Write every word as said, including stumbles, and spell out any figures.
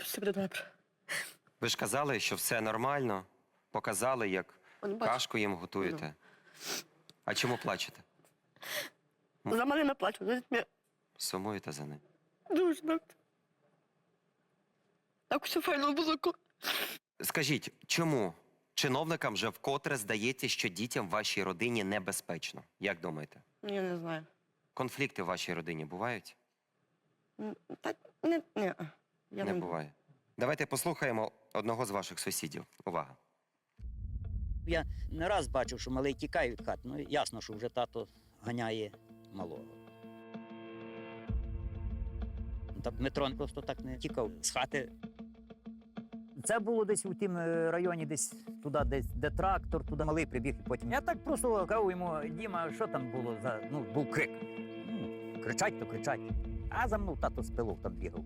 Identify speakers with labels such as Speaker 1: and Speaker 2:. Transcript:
Speaker 1: все буде добре.
Speaker 2: Ви ж казали, що все нормально. Показали, як
Speaker 1: Он бачить.
Speaker 2: кашку їм готуєте. А чому плачете?
Speaker 1: За мене не плачу, за дітьми.
Speaker 2: Сумуєте за ним.
Speaker 1: Дуже добре. Так все файно було.
Speaker 2: Скажіть, чому чиновникам вже вкотре здається, що дітям в вашій родині небезпечно? Як думаєте?
Speaker 1: Я не знаю.
Speaker 2: Конфлікти в вашій родині бувають?
Speaker 1: М, Та не, не. Я
Speaker 2: Не буває. Давайте послухаємо одного з ваших сусідів. Увага.
Speaker 3: Я не раз бачив, що малий тікає від хати. Ну, ясно, що вже тато ганяє малого. Та Дмитро просто так не тікав з хати. Це було десь у тім районі, десь туди, десь, де трактор, туди малий прибіг і потім. Я так просто кажу йому, Діма, що там було за. Ну, був крик. Ну, кричать, то кричать. А за мною тато з пилок там бігав.